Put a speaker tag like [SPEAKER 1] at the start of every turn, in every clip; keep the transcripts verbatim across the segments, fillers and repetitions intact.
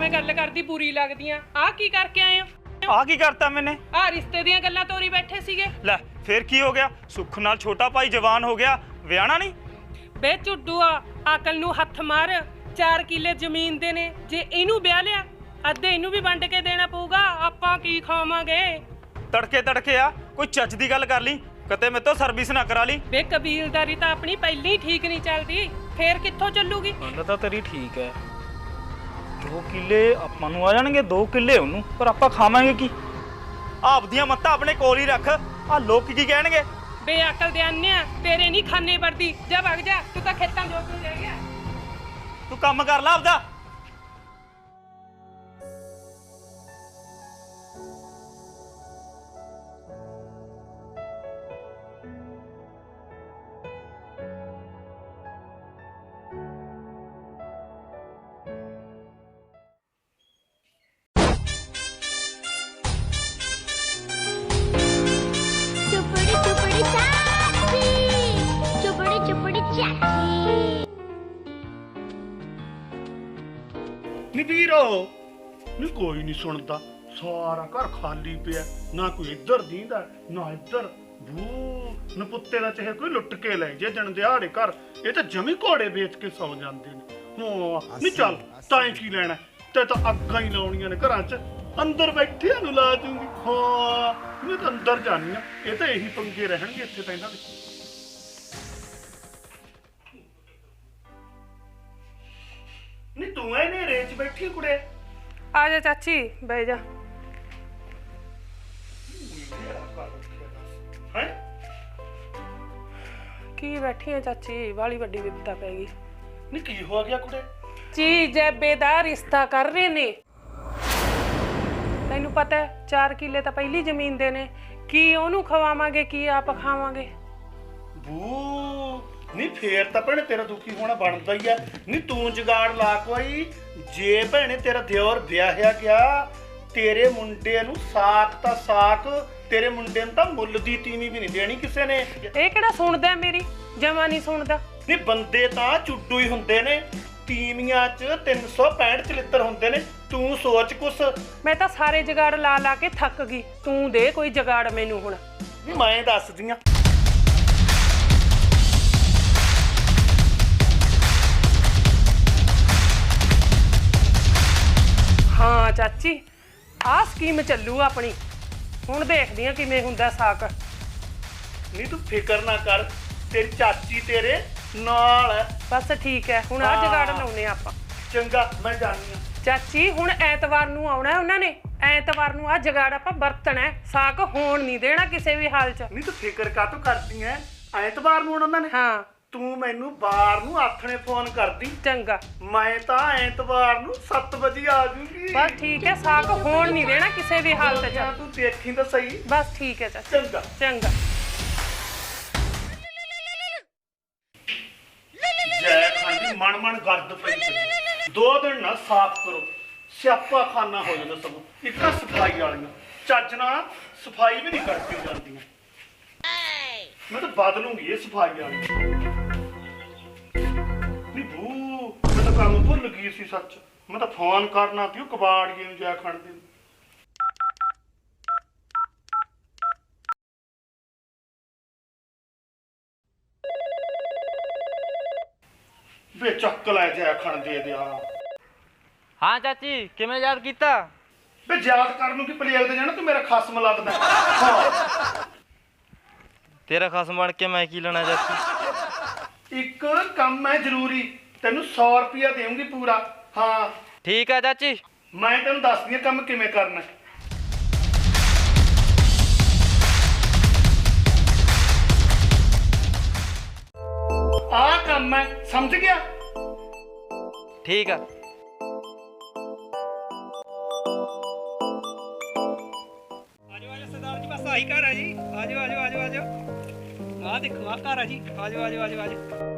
[SPEAKER 1] ਐਵੇਂ ਗੱਲ ਕਰਦੀ ਬੁਰੀ ਲੱਗਦੀਆਂ। ਆ ਕੀ ਕਰਕੇ ਆਏ ਹੋ?
[SPEAKER 2] ਆ ਕੀ ਕਰਤਾ ਮੈਨੇ?
[SPEAKER 1] ਆ ਰਿਸ਼ਤੇ ਦੀਆਂ ਗੱਲਾਂ ਤੋਰੀ ਬੈਠੇ ਸੀਗੇ।
[SPEAKER 2] ਲੈ ਫੇਰ ਕੀ ਹੋ ਗਿਆ? ਸੁੱਖ ਨਾਲ ਛੋਟਾ ਭਾਈ ਜਵਾਨ ਹੋ ਗਿਆ, ਵਿਆਹਣਾ ਨਹੀਂ?
[SPEAKER 1] ਬੇ ਝੁੱਡੂਆ, ਅਕਲ ਨੂੰ ਹੱਥ ਮਾਰ। ਚਾਰ ਕਿੱਲੇ ਜ਼ਮੀਨ ਦੇ ਨੇ, ਜੇ ਇਹਨੂੰ ਵਿਆਹ ਲਿਆ ਅੱਧੇ ਇਹਨੂੰ ਵੀ ਵੰਡ ਕੇ ਦੇਣਾ ਪਊਗਾ। ਆਪਾਂ ਕੀ ਖਾਵਾਂਗੇ?
[SPEAKER 2] ਤੜਕੇ ਤੜਕੇ ਆ ਕੋਈ ਚੱਜ ਦੀ ਗੱਲ ਕਰ ਲਈ, ਕਿਤੇ ਮੇਰੇ ਤੋਂ ਸਰਵਿਸ ਨਾ ਕਰਾ ਲਈ।
[SPEAKER 1] ਬੇ ਕਬੀਲਦਾਰੀ ਤਾਂ ਆਪਣੀ ਪਹਿਲਾਂ ਹੀ ਠੀਕ ਨਹੀਂ ਚੱਲਦੀ, ਫੇਰ ਕਿੱਥੋਂ ਚੱਲੂਗੀ?
[SPEAKER 2] ਗੱਲ ਤਾਂ ਤੇਰੀ ਠੀਕ ਹੈ, ਦੋ ਕਿੱਲੇ ਆਪਾਂ ਨੂੰ ਆ ਜਾਣਗੇ, ਦੋ ਕਿੱਲੇ ਉਹਨੂੰ, ਪਰ ਆਪਾਂ ਖਾਵਾਂਗੇ ਕੀ? ਆਪਦੀਆਂ ਮੱਤਾਂ ਆਪਣੇ ਕੋਲ ਹੀ ਰੱਖ, ਆ ਲੋਕ ਕੀ ਕਹਿਣਗੇ?
[SPEAKER 1] ਬੇ ਅਕਲ ਦੇ ਆਨਿਆ, ਤੇਰੇ ਨਹੀਂ ਖਾਨੇ ਵਰਦੀ। ਜਾ ਵਗ ਜਾ, ਤੂੰ ਤਾਂ ਖੇਤਾਂ ਜੋਗ ਨੂੰ ਰਹਿ ਗਿਆ।
[SPEAKER 2] ਤੂੰ ਕੰਮ ਕਰ ਲੈ ਆਪਦਾ।
[SPEAKER 3] ਨੀ ਵੀਰੋ ਨੀ ਕੋਈ ਨਹੀਂ ਸੁਣਦਾ, ਸਾਰਾ ਘਰ ਖਾਲੀ ਪਿਆ, ਨਾ ਕੋਈ ਇੱਧਰ ਦੀਂਦਾ ਨਾ ਇੱਧਰ। ਬੂ ਨਪੁੱਤੇ ਦਾ ਚਾਹੇ ਕੋਈ ਲੁੱਟ ਕੇ ਲੈ ਜੇ ਜਣ ਦਿਹਾੜੇ ਘਰ, ਇਹ ਤਾਂ ਜਮੀ ਘੋੜੇ ਵੇਚ ਕੇ ਸੌ ਜਾਂਦੇ ਨੇ। ਹਾਂ ਨੀ ਚੱਲ ਤਾਂ ਕੀ ਲੈਣਾ, ਤੇ ਤਾਂ ਅੱਗਾਂ ਹੀ ਲਾਉਣੀਆਂ ਨੇ ਘਰਾਂ 'ਚ, ਅੰਦਰ ਬੈਠਿਆਂ ਨੂੰ ਲਾ ਦੂੰਗੀ। ਹਾਂ ਮੈਂ ਤਾਂ ਅੰਦਰ ਜਾਣੀ ਆ, ਇਹ ਤਾਂ ਇਹੀ ਪੰਗੇ ਰਹਿਣਗੇ ਇੱਥੇ ਤਾਂ ਇਹਨਾਂ ਦੇ। ਨੀ ਤੂੰ ਐ ਨੇਰੇ 'ਚ ਬੈਠੀ ਕੁੜੇ?
[SPEAKER 1] ਆ ਜਾ ਚਾਚੀ, ਬਹਿ ਜਾ।
[SPEAKER 3] ਹੈ
[SPEAKER 1] ਕੀ ਬੈਠੀ ਆ ਚਾਚੀ, ਵਾਲੀ ਵੱਡੀ ਵਿਪਤਾ ਪੈ ਗਈ।
[SPEAKER 3] ਨੀ ਕੀ ਹੋ ਗਿਆ ਕੁੜੇ?
[SPEAKER 1] ਜੀ ਜੈਬੇ ਦਾ ਰਿਸ਼ਤਾ ਕਰ ਰਹੇ ਨੇ। ਤੈਨੂੰ ਪਤਾ ਚਾਰ ਕਿੱਲੇ ਤਾਂ ਪਹਿਲੀ ਜ਼ਮੀਨ ਦੇ ਨੇ, ਕੀ ਉਹਨੂੰ ਖਵਾਵਾਂਗੇ ਕੀ ਆਪ ਖਾਵਾਂਗੇ?
[SPEAKER 3] ਬੂ ਨੀ ਫੇਰ ਤਾਂ ਭੈਣੇ ਤੇਰਾ ਦੁਖੀ ਹੋਣਾ ਬਣਦਾ ਹੀ ਆ। ਨੀ ਤੂੰ ਜੁਗਾੜ ਲਾ ਕੋਈ, ਜੇ ਭੈਣੇ ਤੇਰਾ ਦਿਓਰ ਵਿਆਹਿਆ ਗਿਆ, ਤੇਰੇ ਮੁੰਡੇ ਨੂੰ ਸਾਕ ਤਾਂ ਸਾਕ, ਤੇਰੇ ਮੁੰਡੇ ਨੂੰ ਤਾਂ ਮੁੱਲ ਦੀ ਤੀਵੀਂ ਵੀ ਨਹੀਂ ਦੇਣੀ ਕਿਸੇ ਨੇ।
[SPEAKER 1] ਇਹ ਕਿਹੜਾ ਸੁਣਦਾ ਮੇਰੀ? ਜਮਾ ਨਹੀਂ ਸੁਣਦਾ।
[SPEAKER 3] ਨੀ ਬੰਦੇ ਤਾਂ ਚੁੱਡੂ ਹੀ ਹੁੰਦੇ ਨੇ, ਤੀਵੀਆਂ 'ਚ ਤਿੰਨ ਸੌ ਪੈਂਹਠ ਚਲਿੱਤਰ ਹੁੰਦੇ ਨੇ, ਤੂੰ ਸੋਚ ਕੁਛ।
[SPEAKER 1] ਮੈਂ ਤਾਂ ਸਾਰੇ ਜਗਾੜ ਲਾ ਲਾ ਕੇ ਥੱਕ ਗਈ, ਤੂੰ ਦੇ ਕੋਈ ਜਗਾੜ ਮੈਨੂੰ ਹੁਣ।
[SPEAKER 3] ਨੀ ਮੈਂ ਦੱਸਦੀ ਆ।
[SPEAKER 1] ਹਾਂ ਚਾਚੀ, ਆਹ ਸਕੀਮ ਚੱਲੂ ਆਪਣੀ, ਹੁਣ ਦੇਖਦੀ ਆ ਕਿਵੇਂ ਹੁੰਦਾ ਸਾਕ।
[SPEAKER 3] ਨੀ ਤੂੰ ਫਿਕਰ ਨਾ ਕਰ, ਤੇਰੀ ਚਾਚੀ ਤੇਰੇ ਨਾਲ ਹੈ।
[SPEAKER 1] ਬਸ ਠੀਕ ਹੈ, ਹੁਣ ਆਹ ਜਗਾੜ ਲਾਉਨੇ ਆਪਾਂ।
[SPEAKER 3] ਚੰਗਾ ਮੈਂ ਜਾਣੀ ਆ।
[SPEAKER 1] ਚਾਚੀ ਹੁਣ ਐਤਵਾਰ ਨੂੰ ਆਉਣਾ ਉਹਨਾਂ ਨੇ, ਐਤਵਾਰ ਨੂੰ ਆਹ ਜਗਾੜ ਆਪਾਂ ਵਰਤਣਾ, ਸਾਕ ਹੋਣ ਨਹੀਂ ਦੇਣਾ ਕਿਸੇ ਵੀ ਹਾਲ 'ਚ।
[SPEAKER 3] ਨਹੀਂ ਤੂੰ ਫਿਕਰ ਕਾਹਤੋਂ ਕਰਦੀ ਐ? ਐਤਵਾਰ ਨੂੰ ਉਹਨਾਂ ਨੇ?
[SPEAKER 1] ਹਾਂ
[SPEAKER 3] ਤੂੰ ਮੈਨੂੰ ਬਾਰ ਨੂੰ ਆਥਣੇ ਫੋਨ ਕਰਦੀ,
[SPEAKER 1] ਚੰਗਾ।
[SPEAKER 3] ਮੈਂ ਤਾਂ ਐਤਵਾਰ ਨੂੰ ਸੱਤ ਵਜੇ ਆ ਜੂਗੀ।
[SPEAKER 1] ਬਸ ਠੀਕ ਹੈ, ਸਾਕ ਹੋਣ ਨਹੀਂ ਦੇਣਾ ਕਿਸੇ ਵੀ ਹਾਲਤ 'ਚ।
[SPEAKER 3] ਤੂੰ ਦੇਖੀ ਤਾਂ ਸਹੀ।
[SPEAKER 1] ਬਸ ਠੀਕ ਹੈ ਚਾਚੀ।
[SPEAKER 3] ਚੰਗਾ
[SPEAKER 1] ਚੰਗਾ।
[SPEAKER 3] ਜੈ ਖਾਂਦੀ ਮਨ ਮਨ ਗਰਦ ਪਈ ਪਈ। ਦੋ ਦਿਨ ਨਾ ਸਾਫ਼ ਕਰੋ, ਸਿਆਪਾ ਖਾਨਾ ਹੋ ਜਾਂਦਾ ਸਭ। ਇੱਕ ਤਾਂ ਸਫਾਈ ਵਾਲੀਆਂ ਚੱਜ ਨਾਲ ਸਫਾਈ ਵੀ ਨਹੀਂ ਕਰਕੇ ਜਾਂਦੀਆਂ। ਮੈਂ ਤਾਂ ਬਦਲੂੰਗੀ ਇਹ ਸਫਾਈ ਵਾਲੀ। ਨੀ ਬੂ ਮੈਂ ਤਾਂ ਕੰਮ ਭੁੱਲ ਗਈ ਸੀ ਸੱਚ, ਮੈਂ ਤਾਂ ਫੋਨ ਕਰਨਾ ਸੀ ਉਹ ਕਬਾੜੀਏ ਨੂੰ ਜਾ ਖੜਦੇ ਨੂੰ। ਵੇ ਚੱਕ ਲੈ ਜਾ ਖਣ ਦੇ ਦਿਆ।
[SPEAKER 2] ਹਾਂ ਚਾਚੀ, ਕਿਵੇਂ ਯਾਦ ਕੀਤਾ?
[SPEAKER 3] ਵੇ ਯਾਦ ਕਰਨ ਨੂੰ ਕੀ ਪਲੇਗ ਤੇ ਜਾਣਾ, ਤੂੰ ਮੇਰਾ ਖਸਮ ਲੱਗਦਾ। ਹਾਂ
[SPEAKER 2] ਤੇਰਾ ਖਸਮ ਬਣ ਕੇ ਮੈਂ ਕੀ ਲੈਣਾ ਚਾਚੀ?
[SPEAKER 3] ਇੱਕ ਕੰਮ ਹੈ ਜ਼ਰੂਰੀ, ਤੈਨੂੰ ਸੌ ਰੁਪਇਆ ਦੇਵਾਂਗੀ ਪੂਰਾ। ਹਾਂ
[SPEAKER 2] ਠੀਕ ਹੈ ਚਾਚੀ।
[SPEAKER 3] ਮੈਂ ਤੈਨੂੰ ਦੱਸਦੀ ਹਾਂ ਕੰਮ ਕਿਵੇਂ ਕਰਨਾ। ਆਹ ਕੰਮ ਹੈ, ਸਮਝ ਗਿਆ?
[SPEAKER 2] ਠੀਕ ਆ।
[SPEAKER 4] ਆਜੋ ਆਜੋ ਸਰਦਾਰ ਜੀ, ਬਸ ਆਹੀ ਘਰ ਆ ਜੀ। ਆਜੋ ਆਜੋ ਆਜੋ ਆਜੋ, ਆਹ ਦੇਖੋ ਆਹ ਘਰ ਆ ਜੀ। ਆਜੋ ਆਜੋ ਆਜੋ ਆਜੋ।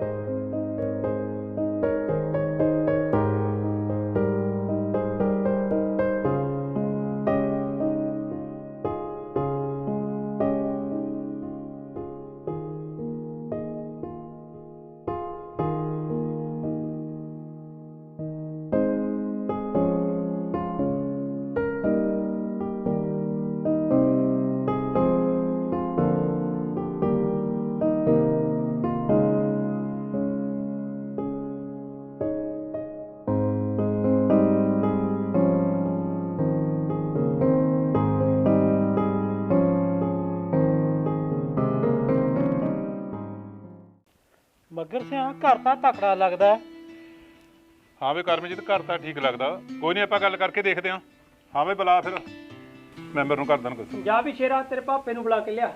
[SPEAKER 4] ਮਗਰ ਸਿਆ ਘਰ ਤਾਂ ਤਕੜਾ ਲੱਗਦਾ।
[SPEAKER 5] ਹਾਂ ਵੇ ਕਰਮਜੀਤ ਘਰ ਤਾਂ ਠੀਕ ਲੱਗਦਾ, ਕੋਈ ਨਹੀਂ ਆਪਾਂ ਗੱਲ ਕਰਕੇ ਦੇਖਦੇ ਹਾਂ। ਹਾਂ ਵੇ ਬੁਲਾ ਫਿਰ ਮੈਂਬਰ ਨੂੰ ਕਰ ਦੇਣ ਕੁਛ।
[SPEAKER 4] ਜਾ ਵੀ ਸ਼ੇਰਾ ਤੇਰੇ ਪਾਪੇ ਨੂੰ ਬੁਲਾ ਕੇ ਲਿਆ।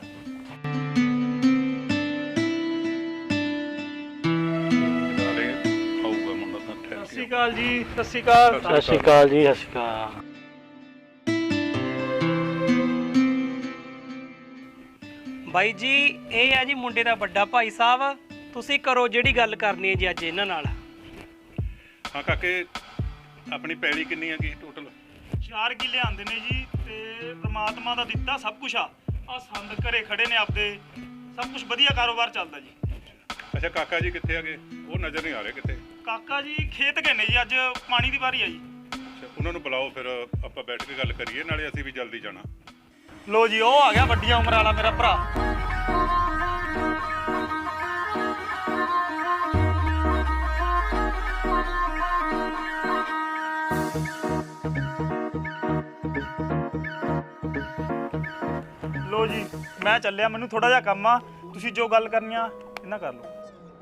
[SPEAKER 5] ਨਾਲੇ ਆਊਗਾ ਮੁੰਡਾ ਤਾਂ ਠਹਿਰ
[SPEAKER 2] ਸਤਿ ਸ਼੍ਰੀ
[SPEAKER 5] ਕੇ।
[SPEAKER 2] ਅਕਾਲ ਜੀ, ਸਤਿ ਸ਼੍ਰੀ ਅਕਾਲ।
[SPEAKER 5] ਸਤਿ ਸ਼੍ਰੀ ਅਕਾਲ
[SPEAKER 4] ਜੀ, ਸਤਿ ਸ਼੍ਰੀ ਅਕਾਲ। ਬਾਈ ਜੀ ਇਹ ਹੈ ਜੀ ਮੁੰਡੇ ਦਾ ਵੱਡਾ ਭਾਈ ਸਾਹਿਬ, ਤੁਸੀਂ ਕਰੋ ਜਿਹੜੀ ਗੱਲ ਕਰਨੀ ਹੈ ਜੀ ਅੱਜ ਇਹਨਾਂ ਨਾਲ।
[SPEAKER 5] ਹਾਂ ਕਾਕੇ ਆਪਣੀ ਪੈਲੀ ਕਿੰਨੀ ਹੈਗੀ ਟੋਟਲ?
[SPEAKER 2] ਚਾਰ ਕਿੱਲੇ ਆਂਦੇ ਨੇ ਜੀ ਤੇ ਪ੍ਰਮਾਤਮਾ ਦਾ ਦਿੱਤਾ ਸਭ ਕੁਝ ਆ ਆ ਸੰਦ ਘਰੇ ਖੜੇ ਨੇ ਆਪਦੇ, ਸਭ ਕੁਝ ਵਧੀਆ ਕਾਰੋਬਾਰ ਚੱਲਦਾ ਜੀ।
[SPEAKER 5] ਅੱਛਾ ਕਾਕਾ ਜੀ ਕਿੱਥੇ ਹੈਗੇ? ਉਹ ਨਜ਼ਰ ਨਹੀਂ ਆ ਰਹੇ ਕਿਤੇ।
[SPEAKER 2] ਕਾਕਾ ਜੀ ਖੇਤ ਗਏ ਨੇ ਜੀ, ਅੱਜ ਪਾਣੀ ਦੀ ਵਾਰੀ ਆ ਜੀ।
[SPEAKER 5] ਅੱਛਾ ਉਹਨਾਂ ਨੂੰ ਬੁਲਾਓ ਫਿਰ ਆਪਾਂ ਬੈਠ ਕੇ ਗੱਲ ਕਰੀਏ, ਨਾਲੇ ਅਸੀਂ ਵੀ ਜਲਦੀ ਜਾਣਾ।
[SPEAKER 2] ਲੋ ਜੀ ਉਹ ਆ ਗਿਆ ਵੱਡੀਆਂ ਉਮਰ ਵਾਲਾ ਮੇਰਾ ਭਰਾ। ਲੋ ਜੀ ਮੈਂ ਚੱਲਿਆ, ਮੈਨੂੰ ਥੋੜਾ ਜਿਹਾ ਕੰਮ ਆ, ਤੁਸੀਂ ਜੋ ਗੱਲ ਕਰਨੀ ਆ ਇਹਨਾਂ ਕਰ ਲਓ।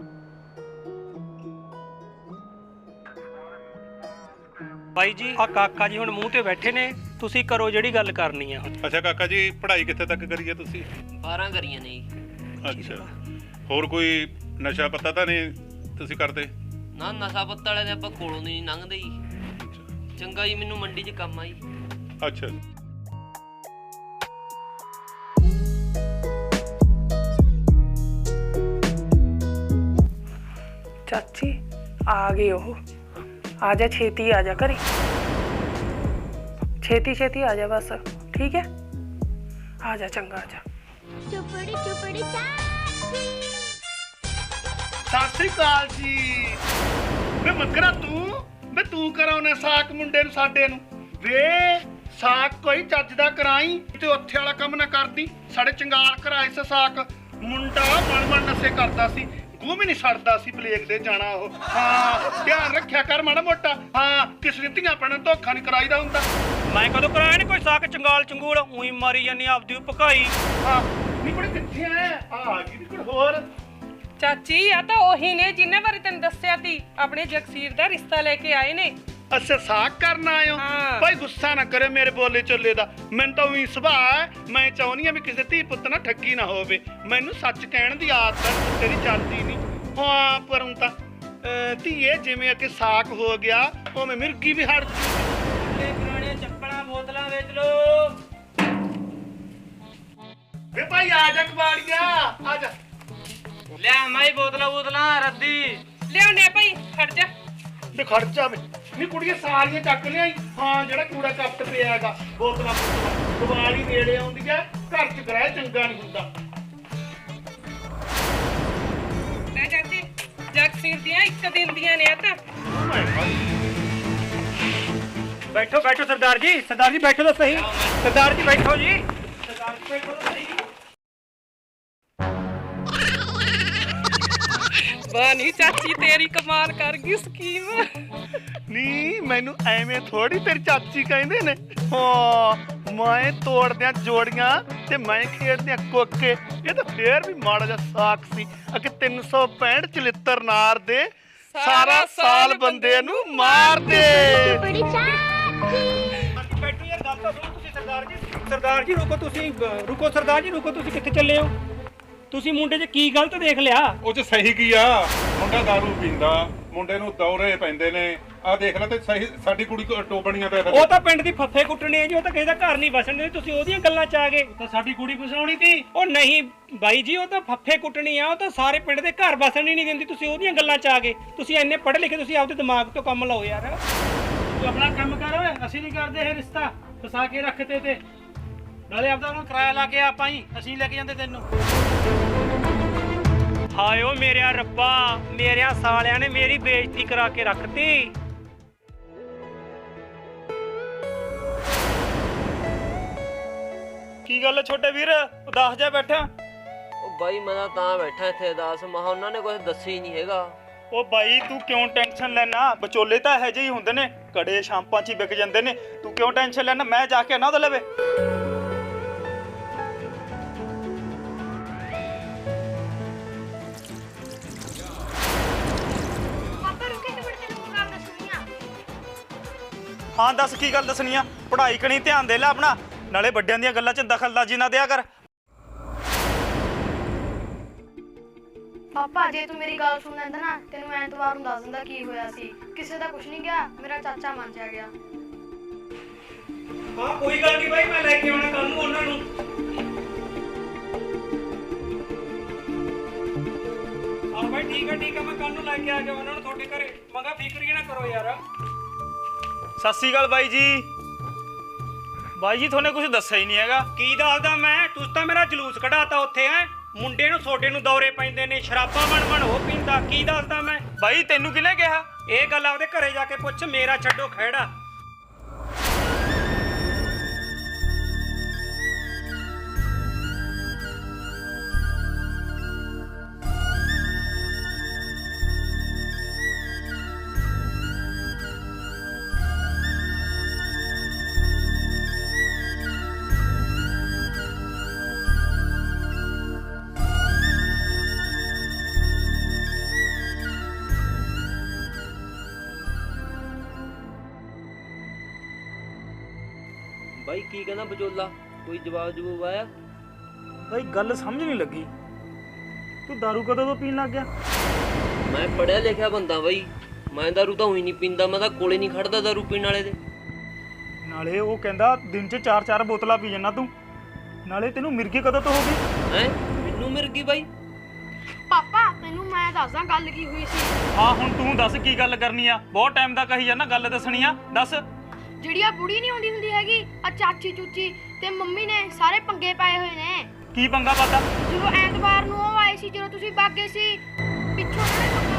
[SPEAKER 4] ਬਾਈ ਜੀ ਆ ਕਾਕਾ ਜੀ ਹੁਣ ਮੂੰਹ ਤੇ ਬੈਠੇ ਨੇ, ਤੁਸੀਂ ਕਰੋ ਜਿਹੜੀ ਗੱਲ ਕਰਨੀ ਆ।
[SPEAKER 5] ਅੱਛਾ ਕਾਕਾ ਜੀ ਪੜ੍ਹਾਈ ਕਿੱਥੇ ਤੱਕ ਕਰੀ ਹੈ ਤੁਸੀਂ?
[SPEAKER 6] ਬਾਰਾਂ ਕਰੀਆਂ ਨੇ ਜੀ।
[SPEAKER 5] ਅੱਛਾ ਹੋਰ ਕੋਈ ਨਸ਼ਾ ਪਤਾ ਤਾਂ ਨਹੀਂ ਤੁਸੀਂ ਕਰਦੇ?
[SPEAKER 6] ਨਾ ਨਸ਼ਾ ਪੱਤਾ ਵਾਲੇ ਦੇ ਆਪਾਂ ਕੋਲੋਂ ਨਹੀਂ ਲੰਘਦੇ ਜੀ। ਚੰਗਾ ਜੀ ਮੈਨੂੰ ਮੰਡੀ 'ਚ ਕੰਮ ਆ ਜੀ।
[SPEAKER 5] ਅੱਛਾ
[SPEAKER 1] ਚਾਚੀ ਆ ਗਏ ਉਹ। ਆ ਜਾ ਛੇਤੀ ਆ ਜਾ ਘਰੇ, ਛੇਤੀ ਛੇਤੀ ਆ ਜਾ ਬਸ, ਠੀਕ ਹੈ? ਆ ਜਾ ਚੰਗਾ, ਆ ਜਾ।
[SPEAKER 7] ਚੁਪੜੀ ਚੁਪੜੀ ਚਾਚੀ
[SPEAKER 3] ਸਤਿ ਸ੍ਰੀ ਅਕਾਲ ਜੀ। ਵੇ ਮੱਕਰਾ ਤੂੰ ਵੇ ਤੂੰ ਕਰਾਉਣਾ ਸਾਕ ਮੁੰਡੇ ਨੂੰ ਸਾਡੇ ਨੂੰ। ਵੇ ਸਾਕ ਕੋਈ ਚੱਜ ਦਾ ਕਰਾਈ ਤੇ ਉੱਥੇ ਵਾਲਾ ਕੰਮ ਨਾ ਕਰਦੀ। ਸਾਡੇ ਚੰਗਾਲ ਕਰਾਏ ਸੀ ਸਾਕ, ਮੁੰਡਾ ਬਣ ਬਣ ਨਸ਼ੇ ਕਰਦਾ ਸੀ, ਗੂੰ ਵੀ ਨਹੀਂ ਛੱਡਦਾ ਸੀ ਪਲੇਗ ਦੇ ਜਾਣਾ ਉਹ। ਹਾਂ ਧਿਆਨ ਰੱਖਿਆ ਕਰ ਮਾੜਾ ਮੋਟਾ। ਹਾਂ ਕਿਸ ਨੇ ਧੀਆਂ ਪੈਣਾ ਧੋਖਾ ਨਹੀਂ ਕਰਾਈਦਾ ਹੁੰਦਾ।
[SPEAKER 4] ਮੈਂ ਕਦੋਂ ਕਰਾਇਆ ਨੀ ਕੋਈ ਸਾਕ ਚੰਗਾਲ ਚੰਗੂਲ, ਉਹੀ ਮਾਰੀ ਜਾਂਦੀ ਆਪਦੀ ਭਕਾਈ।
[SPEAKER 3] ਹਾਂ ਨਹੀਂ ਕੁੜੇ ਕਿੱਥੇ ਆ? ਆ ਗਈ ਨੀ ਕੁੜ ਹੋਰ।
[SPEAKER 1] ਚਾਚੀ ਆ ਤਾਂ ਉਹੀ ਨੇ ਜਿੰਨੇ ਬਾਰੇ ਤੈਨੂੰ ਦੱਸਿਆ ਸੀ, ਆਪਣੇ ਜਗਸੀਰ ਦਾ ਰਿਸ਼ਤਾ ਲੈ ਕੇ ਆਏ ਨੇ।
[SPEAKER 3] ਅੱਛਾ ਸਾਕ ਕਰਨ ਆਇਓ?
[SPEAKER 1] ਹਾਂ।
[SPEAKER 3] ਭਾਈ ਗੁੱਸਾ ਨਾ ਕਰੇ ਮੇਰੇ ਬੋਲੇ ਚੱਲੇ ਦਾ, ਮੈਨੂੰ ਤਾਂ ਉਹੀ ਸੁਭਾਅ ਹੈ। ਮੈਂ ਚਾਹੁੰਦੀ ਆ ਵੀ ਕਿਸੇ ਧੀ ਪੁੱਤ ਨਾਲ ਠੱਗੀ ਨਾ ਹੋਵੇ। ਮੈਨੂੰ ਸੱਚ ਕਹਿਣ ਦੀ ਆਦਤ ਹੈ, ਤੇਰੀ ਚੱਲਦੀ ਨਹੀਂ। ਹਾਂ ਪਰ ਹੁਣ ਤਾਂ ਅਹ, ਧੀਏ ਜਿਵੇਂ ਕਿ ਸਾਕ ਹੋ ਗਿਆ ਉਵੇਂ ਮਿਰਗੀ ਵੀ ਹਟ ਜੂ।
[SPEAKER 4] ਪੁਰਾਣੀਆਂ ਚੱਪਲਾਂ ਬੋਤਲਾਂ ਵੇਚ ਲੋ।
[SPEAKER 3] ਵੇ ਭਾਈ ਆ ਜਾ ਕਬਾੜੀਆ, ਆ ਜਾ।
[SPEAKER 4] ਲਿਆ ਮਾਈ ਬੋਤਲਾਂ ਬੋਤਲਾਂ ਰੱਦੀ
[SPEAKER 1] ਲਿਆਉਣੇ ਭਾਈ, ਖੜ ਜਾ।
[SPEAKER 3] ਤੇ ਖਰਚਾ ਵੇ ਨੀ ਕੁੜੀਆਂ ਸਾਰੀਆਂ ਚੱਕ ਲਿਆਈ। ਹਾਂ ਜਿਹੜਾ ਕੂੜਾ ਕੱਪਟ ਪਿਆ ਹੈਗਾ, ਬੋਤਲਾਂ ਬੋਤਲਾਂ ਦੀਵਾਲੀ ਨੇੜੇ ਆਉਂਦੀ ਹੈ, ਘਰ ਚ ਗ੍ਰਹਿ ਚੰਗਾ ਨਹੀਂ ਹੁੰਦਾ।
[SPEAKER 1] ਲੈ ਚਾਚੀ, ਜਗਸੀਰ ਦੀਆਂ ਇੱਕ ਦਿਨ ਦੀਆਂ ਨੇ ਆ ਤਾਂ।
[SPEAKER 4] ਬੈਠੋ ਬੈਠੋ ਸਰਦਾਰ ਜੀ, ਸਰਦਾਰ ਜੀ ਬੈਠੋ ਤਾਂ ਸਹੀ। ਸਰਦਾਰ ਜੀ ਬੈਠੋ ਜੀ, ਸਰਦਾਰ ਜੀ ਬੈਠੋ ਤਾਂ ਸਹੀ।
[SPEAKER 1] ਬਾਨੀ ਚਾਚੀ ਤੇਰੀ ਕਮਾਲ ਕਰ ਗਈ ਸਕੀਮ।
[SPEAKER 3] ਨੀ ਮੈਨੂੰ ਐਵੇਂ ਥੋੜੀ ਤੇਰੀ ਚਾਚੀ ਕਹਿੰਦੇ ਨੇ। ਹਾਂ ਮੈਂ ਤੋੜਦਿਆਂ ਜੋੜੀਆਂ ਤੇ ਮੈਂ ਖੇਡਦਿਆਂ ਕੋਕੇ। ਇਹ ਤਾਂ ਫੇਰ ਵੀ ਮਾੜਾ ਜਿਹਾ ਸਾਕ ਸੀ। ਅਗੇ ਤਿੰਨ ਸੌ ਪੈਂਹਠ ਚਲਿੱਤਰ ਨਾਰ ਦੇ, ਸਾਰਾ ਸਾਲ ਬੰਦੇ ਨੂੰ ਮਾਰ ਦੇ।
[SPEAKER 7] ਚੁਪੜੀ ਚਾਚੀ
[SPEAKER 4] ਬੈਠੋ ਯਾਰ, ਗੱਲ ਤਾਂ ਸੁਣੋ ਤੁਸੀਂ। ਸਰਦਾਰ ਜੀ ਸਰਦਾਰ ਜੀ ਰੁਕੋ ਤੁਸੀਂ, ਰੁਕੋ ਸਰਦਾਰ ਜੀ ਰੁਕੋ। ਤੁਸੀਂ ਕਿੱਥੇ ਚੱਲੇ ਹੋ? ਤੁਸੀਂ ਮੁੰਡੇ 'ਚ ਕੀ ਗਲਤ ਦੇਖ ਲਿਆ?
[SPEAKER 5] ਉਹ ਚ ਸਹੀ ਕੀ ਆ? ਮੁੰਡਾ ਦਾਰੂ ਪੀਂਦਾ, ਮੁੰਡੇ ਨੂੰ ਦੌਰੇ ਪੈਂਦੇ ਨੇ। ਆ ਦੇਖ ਲੈ ਤੇ ਸਹੀ ਸਾਡੀ ਕੁੜੀ ਟੋਬਣੀਆਂ ਤੇ।
[SPEAKER 4] ਉਹ ਤਾਂ ਪਿੰਡ ਦੀ ਫੱਫੇ ਕੁੱਟਣੀ ਹੈ ਜੀ, ਉਹ ਤਾਂ ਕਿਸੇ ਦਾ ਘਰ ਨਹੀਂ ਵਸਣ ਦਿੰਦੇ। ਤੁਸੀਂ ਉਹਦੀਆਂ ਗੱਲਾਂ 'ਚ ਆ ਗਏ। ਤਾਂ ਸਾਡੀ ਕੁੜੀ ਫਸਾਉਣੀ ਸੀ। ਉਹ ਨਹੀਂ ਬਾਈ ਜੀ, ਉਹ ਤਾਂ ਫੱਫੇ ਕੁੱਟਣੀ ਆ, ਉਹ ਤਾਂ ਸਾਰੇ ਪਿੰਡ ਦੇ ਘਰ ਵਸਣ ਹੀ ਨਹੀਂ ਦਿੰਦੀ। ਤੁਸੀਂ ਉਹਦੀਆਂ ਗੱਲਾਂ 'ਚ ਆ ਗਏ। ਤੁਸੀਂ ਇੰਨੇ ਪੜ੍ਹੇ ਲਿਖੇ, ਤੁਸੀਂ ਆਪਦੇ ਦਿਮਾਗ ਤੋਂ ਕੰਮ ਲਓ ਯਾਰ। ਤੂੰ ਆਪਣਾ ਕੰਮ ਕਰ ਓਏ, ਅਸੀਂ ਨਹੀਂ ਕਰਦੇ ਇਹ ਰਿਸ਼ਤਾ। ਫਸਾ ਕੇ ਰੱਖਤੇ ਤੇ ਨਾਲੇ ਆਪਦਾ ਉਹਨੂੰ ਕਿਰਾਇਆ ਲਾ ਕੇ ਆਪਾਂ ਹੀ ਅਸੀਂ ਲੈ ਕੇ ਜਾਂਦੇ ਤੈਨੂੰ। ਹਾਏ ਓ ਮੇਰਿਆ ਰੱਬਾ, ਮੇਰਿਆਂ ਸਾਲਿਆਂ ਨੇ ਮੇਰੀ ਬੇਇੱਜ਼ਤੀ ਕਰਾ ਕੇ ਰੱਖਤੀ।
[SPEAKER 2] ਕੀ ਗੱਲ ਹੈ ਛੋਟੇ ਵੀਰ, ਉਦਾਸ ਜਾ ਬੈਠਾ?
[SPEAKER 6] ਉਹ ਬਾਈ ਮੈਂ ਤਾਂ ਤਾਂ ਬੈਠਾ ਇੱਥੇ ਉਦਾਸ, ਮਹਾ ਉਹਨਾਂ ਨੇ ਕੁਝ ਦੱਸਿਆ ਹੀ ਨਹੀਂ ਹੈਗਾ।
[SPEAKER 2] ਉਹ ਬਾਈ ਤੂੰ ਕਿਉਂ ਟੈਨਸ਼ਨ ਲੈਣਾ? ਵਿਚੋਲੇ ਤਾਂ ਇਹੋ ਜਿਹੇ ਹੀ ਹੁੰਦੇ ਨੇ, ਕੜੇ ਸ਼ਾਂਪਾਂ 'ਚ ਹੀ ਵਿਕ ਜਾਂਦੇ ਨੇ। ਤੂੰ ਕਿਉਂ ਟੈਨਸ਼ਨ ਲੈਣਾ? ਮੈਂ ਜਾ ਕੇ ਨਾ ਉਹਦੇ ਲਵੇ। ਹਾਂ ਦੱਸ ਕੀ ਗੱਲ ਦੱਸਣੀ ਆ? ਪੜ੍ਹਾਈ ਕਣੀ ਧਿਆਨ ਦੇ ਲੈ ਆਪਣਾ, ਨਾਲੇ ਵੱਡਿਆਂ ਦੀਆਂ ਗੱਲਾਂ 'ਚ ਦਖਲਅੰਦਾਜ਼ੀ ਨਾ ਦਿਆ ਕਰ।
[SPEAKER 8] ਪਾਪਾ ਜੇ ਤੂੰ ਮੇਰੀ ਗੱਲ ਸੁਣ ਲੈਂਦਾ ਨਾ ਤੈਨੂੰ ਐਤਵਾਰ ਨੂੰ ਦੱਸ ਦਿੰਦਾ ਕੀ ਹੋਇਆ ਸੀ। ਕਿਸੇ ਦਾ ਕੁਝ ਨਹੀਂ ਗਿਆ, ਮੇਰਾ ਚਾਚਾ ਮੰਨ ਜਾ ਗਿਆ।
[SPEAKER 4] ਹਾਂ ਕੋਈ ਗੱਲ ਨਹੀਂ ਬਾਈ, ਮੈਂ ਲੈ ਕੇ ਆਉਣਾ ਕੱਲ ਨੂੰ ਉਹਨਾਂ ਨੂੰ। ਹਾਂ ਬਾਈ ਠੀਕ ਹੈ ਠੀਕ ਹੈ, ਮੈਂ ਕੱਲ ਨੂੰ ਲੈ ਕੇ ਆ ਜਾਵਾਂ ਉਹਨਾਂ ਨੂੰ ਤੁਹਾਡੇ ਘਰੇ। ਮਗਾ ਫਿਕਰ ਹੀ ਨਾ ਕਰੋ ਯਾਰ।
[SPEAKER 2] ਸਤਿ ਸ਼੍ਰੀ ਅਕਾਲ ਬਾਈ ਜੀ। ਬਾਈ ਜੀ ਤੁਹਾਨੂੰ ਕੁਝ ਦੱਸਿਆ ਹੀ ਨਹੀਂ ਹੈਗਾ।
[SPEAKER 4] ਕੀ ਦੱਸਦਾ ਮੈਂ? ਤੁਸੀਂ ਤਾਂ ਮੇਰਾ ਜਲੂਸ ਕਢਾਤਾ ਉੱਥੇ ਹੈ। ਮੁੰਡੇ ਨੂੰ ਛੋਟੇ ਨੂੰ ਦੌਰੇ ਪੈਂਦੇ ਨੇ, ਸ਼ਰਾਬਾਂ ਬਣ ਬਣ ਉਹ ਪੀਂਦਾ। ਕੀ ਦੱਸਦਾ ਮੈਂ?
[SPEAKER 2] ਬਾਈ ਤੈਨੂੰ ਕਿਹਨੇ ਕਿਹਾ?
[SPEAKER 4] ਇਹ ਗੱਲ ਆਪਦੇ ਘਰੇ ਜਾ ਕੇ ਪੁੱਛ, ਮੇਰਾ ਛੱਡੋ ਖਹਿੜਾ।
[SPEAKER 6] ਬਾਈ ਕੀ ਕਹਿੰਦਾ ਬਚੋਲਾ? ਕੋਈ ਜਵਾਬ ਜਵਾਬ ਆਇਆ?
[SPEAKER 2] ਬਾਈ ਗੱਲ ਸਮਝ ਨਹੀਂ ਲੱਗੀ, ਤੂੰ ਦਾਰੂ ਕਦੋਂ ਤੋਂ ਪੀਣ ਲੱਗ ਗਿਆ?
[SPEAKER 6] ਮੈਂ ਪੜਿਆ ਲਿਖਿਆ ਬੰਦਾ ਬਾਈ, ਮੈਂ ਦਾਰੂ ਤਾਂ ਉਹੀ ਨਹੀਂ ਪੀਂਦਾ, ਮੈਂ ਤਾਂ ਕੋਲੇ ਨਹੀਂ ਖੜਦਾ ਦਾਰੂ ਪੀਣ ਵਾਲੇ ਦੇ।
[SPEAKER 2] ਨਾਲੇ ਉਹ ਕਹਿੰਦਾ ਦਿਨ 'ਚ ਚਾਰ ਚਾਰ ਬੋਤਲਾਂ ਪੀ ਜਾਂਦਾ ਤੂੰ। ਨਾਲੇ ਤੈਨੂੰ ਮਿਰਗੀ ਕਦੋਂ ਤੋਂ ਹੋ ਗਈ?
[SPEAKER 6] ਹੈ ਮੈਨੂੰ ਮਿਲ ਗਈ ਬਾਈ?
[SPEAKER 8] ਪਾਪਾ ਤੈਨੂੰ ਮੈਂ ਦੱਸਦਾ ਗੱਲ ਕੀ ਹੋਈ ਸੀ।
[SPEAKER 2] ਹਾਂ ਹੁਣ ਤੂੰ ਦੱਸ ਕੀ ਗੱਲ ਕਰਨੀ ਆ? ਬਹੁਤ ਟਾਈਮ ਦਾ ਕਹੀ ਜਾਂਦਾ ਗੱਲ ਦੱਸਣੀ ਆ, ਦੱਸ।
[SPEAKER 8] ਜਿਹੜੀ ਆ ਬੁੜੀ ਨਹੀਂ ਆਉਂਦੀ ਹੁੰਦੀ ਹੈਗੀ, ਆ ਚਾਚੀ ਚੂਚੀ ਤੇ ਮੰਮੀ ਨੇ ਸਾਰੇ ਪੰਗੇ ਪਾਏ ਹੋਏ ਨੇ।
[SPEAKER 2] ਕੀ ਪੰਗਾ ਪਾਤਾ?
[SPEAKER 8] ਜਦੋਂ ਐਤਵਾਰ ਨੂੰ ਉਹ ਆਏ ਸੀ, ਜਦੋਂ ਤੁਸੀਂ ਬਾਗੇ ਸੀ, ਪਿੱਛੋਂ ਉਹਨਾਂ ਨੇ ਪੰਗਾ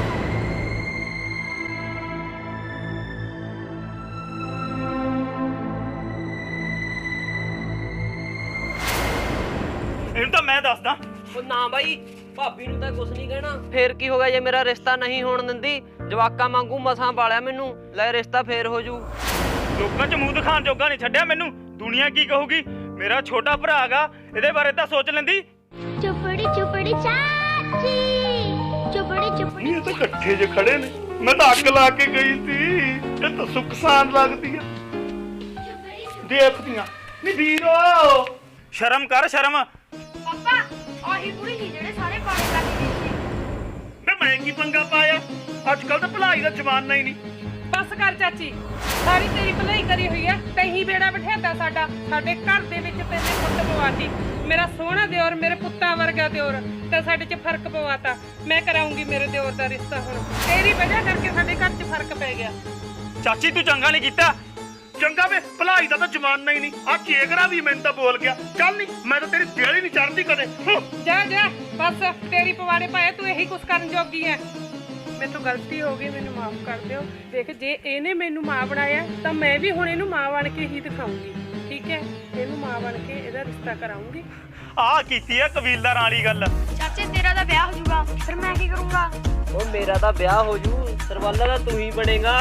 [SPEAKER 2] ਇਹਨੂੰ ਤਾਂ ਮੈਂ ਦੱਸਦਾ।
[SPEAKER 6] ਉਹ ਨਾ ਬਾਈ, ਭਾਬੀ ਨੂੰ ਤਾਂ ਕੁਝ ਨਹੀਂ ਕਹਿਣਾ। ਫੇਰ ਕੀ ਹੋ ਗਿਆ ਜੇ ਮੇਰਾ ਰਿਸ਼ਤਾ ਨਹੀਂ ਹੋਣ ਦਿੰਦੀ? ਜਵਾਕਾਂ ਵਾਂਗੂ ਮਸਾਂ ਪਾਲਿਆ ਮੈਨੂੰ, ਲੈ ਰਿਸ਼ਤਾ ਫੇਰ ਹੋ ਜੂ।
[SPEAKER 2] ਲੋਕਾਂ 'ਚ ਮੂੰਹ ਦਿਖਾਣ ਜੋਗਾ ਨਹੀਂ ਛੱਡਿਆ ਮੈਨੂੰ। ਦੁਨੀਆ ਕੀ ਕਹੂਗੀ? ਮੇਰਾ ਛੋਟਾ ਭਰਾ ਹੈਗਾ, ਇਹਦੇ ਬਾਰੇ ਤਾਂ ਸੋਚ ਲੈਂਦੀ।
[SPEAKER 7] ਚੁਪੜੀ ਚੁਪੜੀ ਚਾਚੀ ਚੁਪੜੀ ਚੁਪੜੀ
[SPEAKER 3] ਇਹ ਤਾਂ ਇਕੱਠੇ ਜੇ ਖੜੇ ਨੇ। ਮੈਂ ਤਾਂ ਅੱਗ ਲਾ ਕੇ ਗਈ ਸੀ। ਇਹ ਤਾਂ ਸੁਖਸਾਨ ਲੱਗਦੀ ਆ ਦੇਖਦੀਆਂ। ਨੀ ਵੀਰੋ
[SPEAKER 2] ਸ਼ਰਮ ਕਰ ਸ਼ਰਮ।
[SPEAKER 8] ਪਾਪਾ ਆਹੀ ਬੁੜੀ ਸੀ ਜਿਹੜੇ ਸਾਰੇ ਪਾਣੀ ਕੱਢ ਗਈ ਸੀ।
[SPEAKER 3] ਵੇ ਮੈਂ ਕੀ ਪੰਗਾ ਪਾਇਆ? ਅੱਜ ਕੱਲ ਤਾਂ ਭਲਾਈ ਦਾ ਜ਼ਮਾਨਾ ਹੀ ਨਹੀਂ।
[SPEAKER 1] ਬਸ ਕਰ ਚਾਚੀ, ਸਾਰੀ ਤੇਰੀ ਭਲਾਈ ਕਰੀ ਹੋਈ ਐ। ਤੈਂ ਬੇੜਾ ਬਿਠਾਤਾ ਸਾਡਾ, ਸਾਡੇ ਘਰ ਦੇ ਵਿੱਚ ਤੈਨੇ ਫੁੱਟ ਪਵਾਤੀ। ਮੇਰਾ ਸੋਹਣਾ ਦਿਓਰ, ਮੇਰੇ ਪੁੱਤਾਂ ਵਰਗਾ ਦਿਓਰ, ਤਾਂ ਸਾਡੇ 'ਚ ਫਰਕ ਪਵਾਤਾ। ਮੈਂ ਕਰਾਉਂਗੀ ਮੇਰੇ ਦਿਓਰ ਦਾ ਰਿਸ਼ਤਾ ਹੁਣ। ਤੇਰੀ ਵਜ੍ਹਾ ਕਰਕੇ ਸਾਡੇ ਘਰ 'ਚ ਫਰਕ ਪੈ ਗਿਆ।
[SPEAKER 2] ਚਾਚੀ ਤੂੰ ਚੰਗਾ ਨਹੀਂ ਕੀਤਾ।
[SPEAKER 3] ਚੰਗਾ ਵੇ, ਭਲਾਈ ਦਾ ਤਾਂ ਜ਼ਮਾਨਾ ਹੀ ਨਹੀਂ। ਆ ਚੇਗਰਾ ਵੀ ਮੈਨੂੰ ਤਾਂ ਬੋਲ ਗਿਆ। ਚੱਲ ਨਹੀਂ, ਮੈਂ ਤਾਂ ਤੇਰੀ ਦਿਲ ਹੀ ਨਹੀਂ ਚੜਦੀ ਕਦੇ।
[SPEAKER 1] ਜਾ ਜਾ ਬਸ, ਤੇਰੀ ਪਵਾੜੇ ਪਾਏ, ਤੂੰ ਇਹੀ ਕੁਛ ਕਰਨ ਜੋਗੀ ਐ। ਮੇਰੇ ਤੋਂ ਗਲਤੀ ਹੋ ਗਈ, ਮੈਨੂੰ ਮਾਫ ਕਰ ਦਿਓ। ਦੇਖ ਜੇ ਇਹਨੇ ਮੈਨੂੰ ਮਾਂ ਬਣਾਇਆ ਤਾਂ ਮੈਂ ਵੀ ਹੁਣ ਇਹਨੂੰ ਮਾਂ ਬਣ ਕੇ ਹੀ ਦਿਖਾਉਂਗੀ, ਠੀਕ ਹੈ? ਇਹਨੂੰ ਮਾਂ ਬਣ ਕੇ ਇਹਦਾ ਰਿਸ਼ਤਾ ਕਰਾਉਂਗੀ।
[SPEAKER 2] ਆਹ ਕੀਤੀ ਆ ਕਬੀਲਦਾਰਾਂ ਵਾਲੀ ਗੱਲ।
[SPEAKER 8] ਚਾਚੇ ਤੇਰਾ ਤਾਂ ਵਿਆਹ ਹੋ ਜਾਊਗਾ, ਫਿਰ ਮੈਂ ਕੀ ਕਰੂੰਗਾ?
[SPEAKER 6] ਉਹ ਮੇਰਾ ਤਾਂ ਵਿਆਹ ਹੋ ਜੂ, ਸਰਵਾਲਾ ਦਾ ਤੂੰ ਹੀ ਬਣੇਗਾ।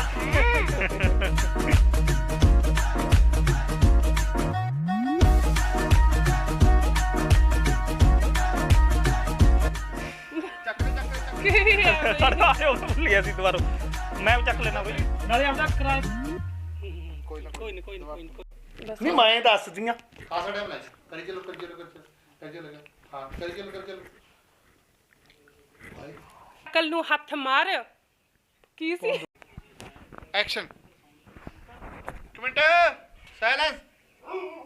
[SPEAKER 2] ਸਾਡਾ ਉਹ ਭੁੱਲ ਗਿਆ ਸੀ ਦੁਬਾਰਾ। ਮੈਂ ਚੱਕ ਲੈਣਾ ਬਈ।
[SPEAKER 4] ਨਾਲੇ ਆਪਦਾ ਕਿਰਾਇਆ ਕੋਈ ਨਾ ਕੋਈ ਨਾ ਕੋਈ ਨਾ ਕੋਈ ਨਾ।
[SPEAKER 3] ਨਹੀਂ ਮੈਂ ਦੱਸਦੀਆਂ।
[SPEAKER 9] ਆ ਸਾਡੇ ਬਣਾ ਕਰੀ ਚਲੋ ਕਰੀ ਚਲੋ ਕਰੀ ਚਲੋ ਕਰੀ ਚਲੋ ਹਾਂ ਕਰੀ ਚਲੋ ਕਰੀ ਚਲੋ
[SPEAKER 1] ਕੱਲ ਨੂੰ ਹੱਥ ਮਾਰ। ਕੀ ਸੀ?
[SPEAKER 9] ਐਕਸ਼ਨ। ਇੱਕ ਮਿੰਟ ਸਾਇਲੈਂਸ।